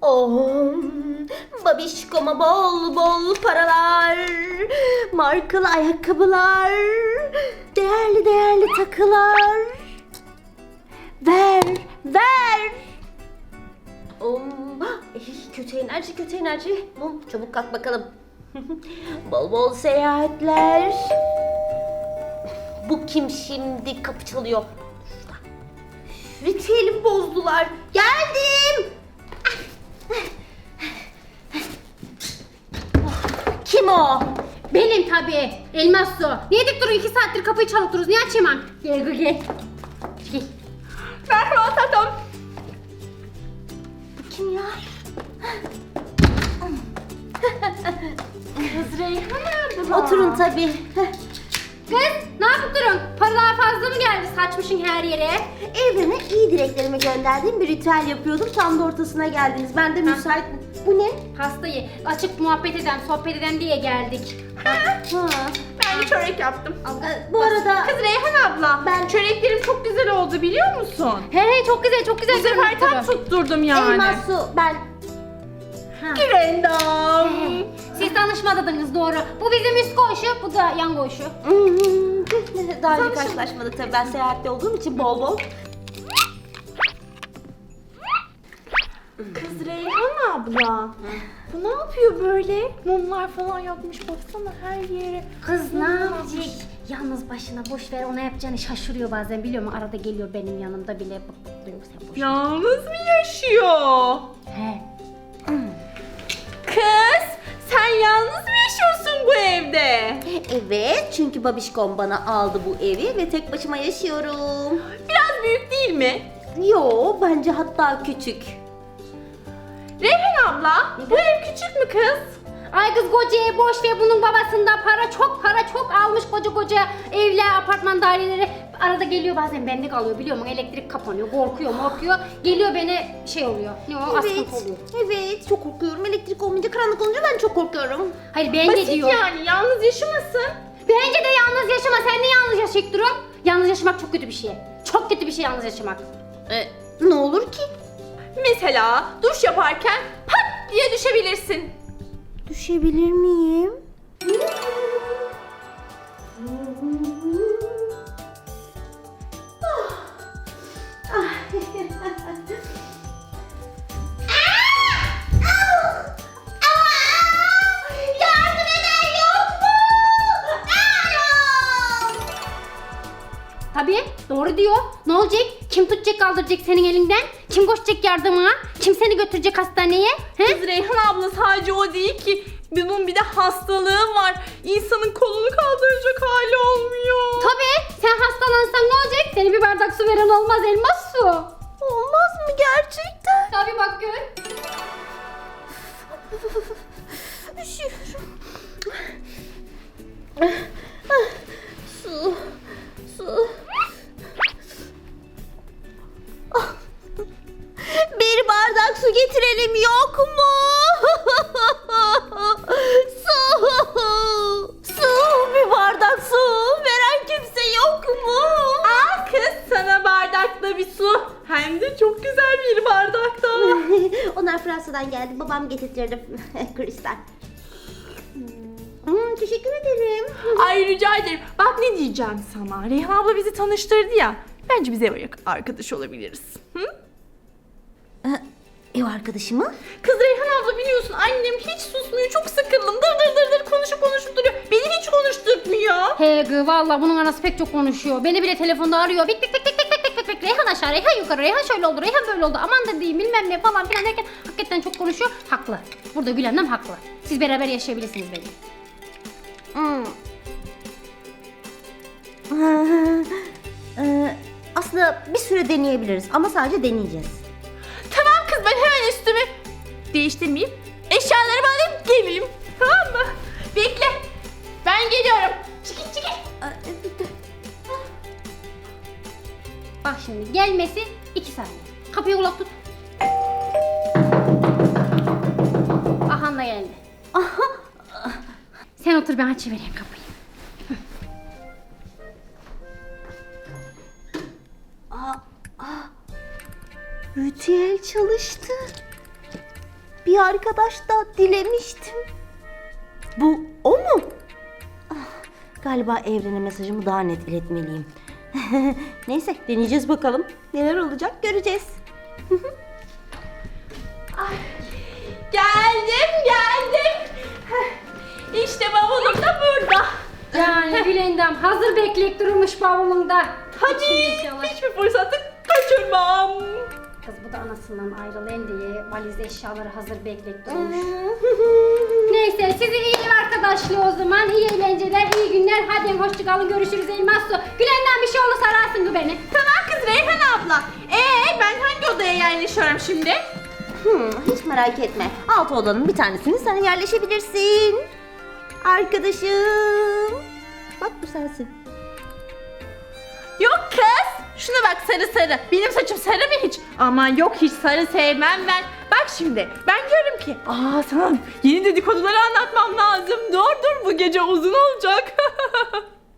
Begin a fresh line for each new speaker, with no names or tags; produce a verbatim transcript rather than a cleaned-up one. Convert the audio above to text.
Oh, babişkoma bol bol paralar, markalı ayakkabılar, değerli değerli takılar. Ver, ver. Oh, eh, kötü enerji, kötü enerji. Mum, çabuk kalk bakalım. Bol bol seyahatler. Bu kim şimdi? Kapı çalıyor. Şurada. Ritüelimi bozdular. Geldim. Kim o?
Benim tabii. Elmas Su. Niye dik durun iki saattir kapıyı çalıp dururuz? Niye açayım? Gel gel gel. Gel.
Merhaba tatlım. Bu kim ya?
Kız Reyhan abla.
Oturun tabii.
Kız ne yapıp durun? Paralar fazla mı geldi? Saçmışın her yere.
Evrene iyi dileklerimi gönderdiğim bir ritüel yapıyordum. Tam da ortasına geldiniz. Ben de müsait... Bu ne?
Hastayı açık muhabbet eden, sohbet eden diye geldik.
Ha.
Ben de çörek yaptım.
Ee, bu arada...
Kız Reyhan abla,
Ben-
ben çöreklerim çok güzel oldu biliyor musun?
He he çok güzel çok güzel.
Bu sefer tam tutturdum yani.
Elmas Su, ben...
Girendam.
Siz tanışmadınız doğru. Bu bizim üst koğuşu, bu da yan koğuşu.
Daha önce karşılaşmadık tabii. Ben seyahatte olduğum için bol bol.
Kız Reyhan abla. Bu ne yapıyor böyle? Mumlar falan yapmış baksana her yere.
Kız ne yapacak? Yalnız başına boş ver, ona yapacağını şaşırıyor bazen biliyor musun? Arada geliyor benim yanımda bile bak bak diyor sen boş ver.
Yalnız mı yaşıyor?
He.
Kız sen yalnız mı yaşıyorsun bu evde?
Evet, çünkü babişkom bana aldı bu evi ve tek başıma yaşıyorum.
Biraz büyük değil mi?
Yo, bence hatta küçük.
Reyhan abla bu ev küçük mü kız?
Ay kız koca ev boş ver, bunun babasında para çok para çok almış koca koca evler, apartman daireleri. Arada geliyor bazen bende kalıyor biliyor musun? Elektrik kapanıyor, korkuyor korkuyor. Geliyor beni şey oluyor. Ne o?
Evet,
Askıntı oluyor.
evet. Çok korkuyorum. Elektrik olmayınca, karanlık olunca ben çok korkuyorum.
Hayır bence
Basit
diyor.
yani yalnız yaşamasın.
Bence de yalnız yaşama. Sen de yalnız yaşayıp durun. Yalnız yaşamak çok kötü bir şey. Çok kötü bir şey yalnız yaşamak.
Ee, ne olur ki?
Mesela duş yaparken pat diye düşebilirsin.
Düşebilir miyim? Yardım eden yok mu?
Tabii doğru diyor. Ne olacak? Kim tutacak kaldıracak senin elinden? Kim koşacak yardımına? Kim seni götürecek hastaneye? He?
Kız Reyhan abla sadece o değil ki. Bunun bir de hastalığı var. İnsanın kolunu kaldıracak hali olmuyor.
Tabii sen hastalansan ne olacak? Seni bir bardak su veren olmaz, elmas su.
Olmaz mı gerçekten?
Tabii bak gör.
Üşüyorum. Su, su. Ah. Bir bardak su getirelim yok mu? Su, su, bir bardak su veren kimse yok mu?
Al kız sana bardakta bir su. Hem de çok güzel bir bardakta.
Onlar Fransa'dan geldi. Babam getirtirdi. Kristal. Hmm, teşekkür ederim.
Ay rica ederim. Bak ne diyeceğim sana. Reyhan abla bizi tanıştırdı ya. Bence biz ev arkadaş olabiliriz. Hı?
Ev arkadaşı mı?
Kız Reyhan abla biliyorsun annem hiç susmuyor. Çok sıkıldım. Dır dır dır dır konuşup konuşup duruyor. Beni hiç konuşturmuyor.
He gı valla bunun anası pek çok konuşuyor. Beni bile telefonda arıyor. Bik bik bik bik bik bik bik bik. Reyhan aşağı, Reyhan yukarı, Reyhan şöyle oldu, Reyhan böyle oldu. Aman da diyeyim bilmem ne falan filan derken hakikaten çok konuşuyor. Haklı. Burada Gülen'den haklı. Siz beraber yaşayabilirsiniz benim.
Hmm. Ee, aslında bir süre deneyebiliriz ama sadece deneyeceğiz.
Tamam kız ben hemen üstümü değiştirmeyeyim. Eşyalarımı alayım geleyim. Tamam mı? Bekle. Ben geliyorum. Çekil çekil.
Bak şimdi gelmesi iki saniye. Kapıyı kulak tut. Ahan da geldi. Sen otur ben açıvereyim kapıyı.
Ritüel çalıştı. bir arkadaş da dilemiştim. Bu o mu? Ah, galiba evrene mesajımı daha net iletmeliyim. Neyse deneyeceğiz bakalım. Neler olacak göreceğiz.
Ay, geldim geldim. Heh, İşte bavulum da burada.
Yani Gülendam hazır bekleyip durmuş bavulunda.
Hadi
İçinde eşyalar.
hiçbir fırsatı kaçırmam.
Kız bu da anasından ayrılayım diye valizde eşyaları hazır bekleyip durmuş. Neyse size iyi ev arkadaşlığı o zaman. İyi eğlenceler, iyi günler. Hadi hoşçakalın, görüşürüz Elmas Su. Gülendam bir şey olursa ararsın beni.
Tamam kız Reyhan abla. Ee ben hangi odaya yerleşiyorum şimdi?
Hmm, hiç merak etme. Alt odanın bir tanesini sen yerleşebilirsin. Arkadaşım. Bak bu sensin.
Yok kız. Şuna bak sarı sarı. Benim saçım sarı mı hiç? Aman yok hiç sarı sevmem ben. Bak şimdi ben diyorum ki aa sana yeni dedikoduları anlatmam lazım. Dur dur bu gece uzun olacak.